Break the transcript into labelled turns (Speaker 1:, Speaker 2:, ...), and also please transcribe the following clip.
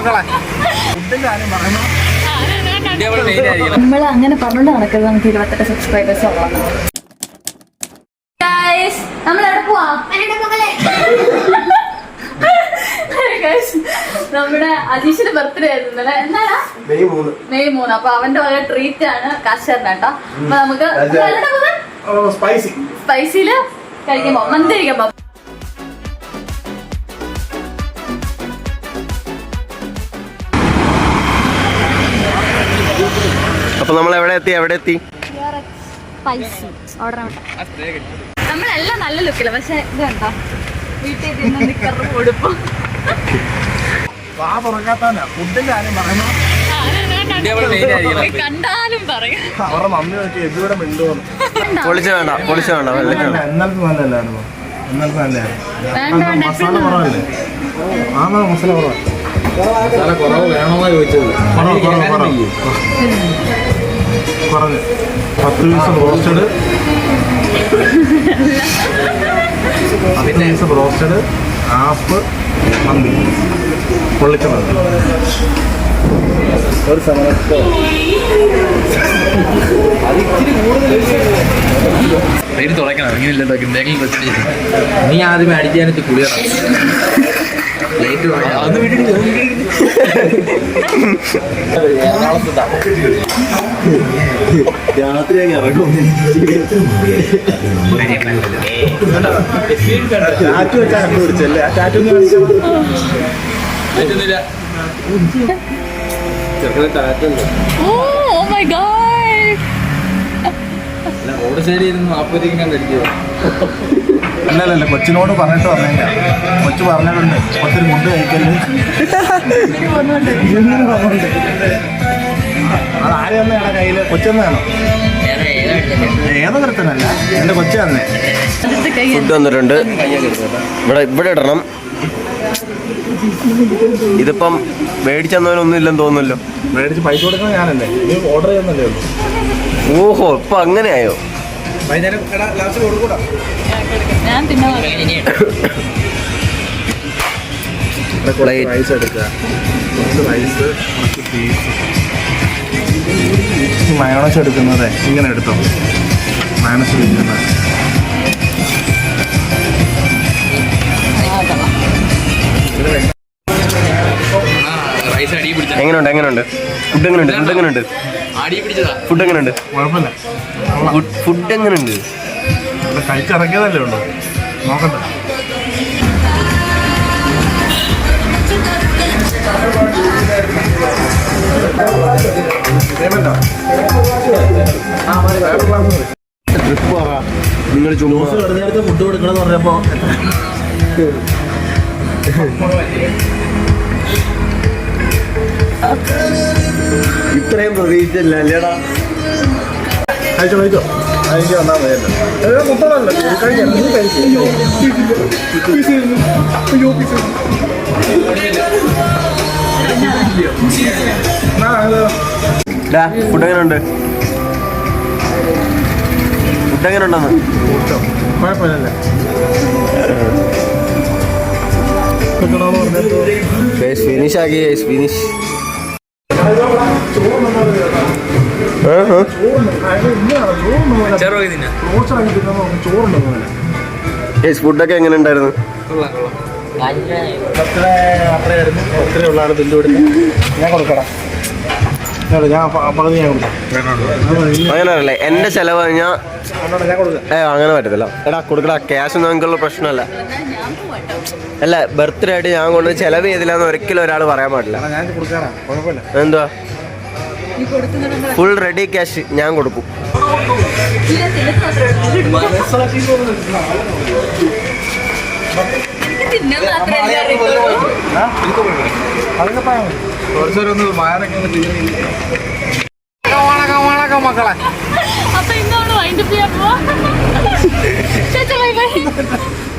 Speaker 1: നമ്മൾ അങ്ങനെ പറഞ്ഞോണ്ട് നടക്കരുത്. നമുക്ക് 28 സബ്സ്ക്രൈബേഴ്സ് ഉള്ളതാണ്. നമ്മളെവിടെ പോവാ? നമ്മുടെ അജീഷിന്റെ ബർത്ത്ഡേ ആയിരുന്നു എന്നാടാ മെയ് 3. അപ്പൊ അവന്റെ വക ട്രീറ്റ് ആണ് കാശാറിന് കേട്ടോ. അപ്പൊ നമുക്ക് സ്പൈസിയില് കഴിക്കാൻ പോവാം, മന്തി കഴിക്കാൻ പോവാം.
Speaker 2: അപ്പൊ നമ്മൾ എവിടെ എത്തി?
Speaker 1: നമ്മളെല്ലാം നല്ല ലുക്കില്ല, പക്ഷെ ഇത് കണ്ടോ വീട്ടിൽ നിന്ന് നിക്കറും കൊടുപ്പും കണ്ടാലും പറയും.
Speaker 2: പൊളിച്ച വേണ്ട
Speaker 3: കുറഞ്ഞ് 10 പീസ് റോസ്റ്റഡ്, 10 പീസ് റോസ്റ്റഡ്, ആപ്പ് മന്തി, പൊള്ളിച്ച മന്തി. ഒരു സമയത്ത്
Speaker 4: നീ ആദ്യം അടിക്കാനിട്ട് കുളിയണം.
Speaker 3: രാത്രി ഇറങ്ങും. ടാറ്റു വെച്ചാൽ പിടിച്ചല്ലേ? ആ ടാറ്റു
Speaker 4: റോഡ് സൈഡിൽ ഇരുന്ന് 40 കണ്ടിരിക്കുക.
Speaker 3: അല്ലല്ല, കൊച്ചിനോട് പറഞ്ഞിട്ട് പറഞ്ഞേക്കാം. കൊച്ചു പറഞ്ഞിട്ടുണ്ട് ഒത്തിരി മുണ്ട് കഴിക്കല്. അത് ആര് തന്നെയാണ് കയ്യില്? കൊച്ചെന്നാണോ? ഏതോ കരുത്തനല്ല, എന്റെ കൊച്ചു തന്നെ.
Speaker 2: ഫുഡ് വന്നിട്ടുണ്ട്. ഇവിടെ ഇടണം. ഇതിപ്പം മേടിച്ചെന്നവനൊന്നും ഇല്ലെന്ന് തോന്നുന്നല്ലോ.
Speaker 3: മേടിച്ച് പൈസ കൊടുക്കുന്നത് ഞാനല്ലേ, നീ ഓർഡർ ചെയ്യുന്നല്ലേ ഉള്ളൂ.
Speaker 2: ഓഹോ, ഇപ്പൊ അങ്ങനെയായോ?
Speaker 3: വൈകുന്നേരം ലാസ്റ്റ് കൊടുക്കൂടാ. റൈസ് എടുക്കുക, റൈസ്, പീസ്. മയോണസ് എടുക്കുന്നത് ഇങ്ങനെ എടുത്തോ, മയോണസ് എടുക്കുന്നത്.
Speaker 2: എങ്ങനെയുണ്ട്? ഫുഡ് എങ്ങനെയുണ്ട്?
Speaker 3: കഴിച്ചിറങ്ങിയതല്ലേ ഉള്ളൂ, നോക്കട്ടെ.
Speaker 2: നിങ്ങൾ
Speaker 3: നേരത്തെ ഫുഡ് കൊടുക്കണമെന്ന് പറഞ്ഞപ്പോ
Speaker 2: ഇത്രയും പ്രതീക്ഷിച്ചല്ല അല്ലേടാ?
Speaker 3: കഴിച്ചോ അതിലേക്ക് വന്നാൽ മതിയല്ലോ. മുട്ടണല്ലോ
Speaker 2: ഫുഡ് എങ്ങനെയുണ്ടെന്ന്
Speaker 3: കുഴപ്പമില്ലല്ലേ?
Speaker 2: ഫിനിഷ് ആക്കി. ഫുഡൊക്കെ എങ്ങനെ ഉണ്ടായിരുന്നു?
Speaker 3: ഞാൻ കൊടുക്കടാ,
Speaker 2: അങ്ങനെയല്ലേ? എന്റെ ചെലവ് കഴിഞ്ഞാൽ അങ്ങനെ പറ്റത്തില്ല. എടാ കൊടുക്കടാ, ക്യാഷ് നമുക്കുള്ള പ്രശ്നമല്ല. അല്ല, ബർത്ത്ഡേ ആയിട്ട് ഞാൻ കൊണ്ട് ചെലവ് ചെയ്തില്ലാന്ന് ഒരിക്കലും ഒരാൾ പറയാൻ പാടില്ല. എന്തുവാ, ഫുൾ റെഡി ക്യാഷ് ഞാൻ കൊടുക്കും.
Speaker 3: മക്കളെ
Speaker 1: അപ്പൊ ഇന്നോട് വൈൻഡപ്പ് ചെയ്യാൻ പോവാ.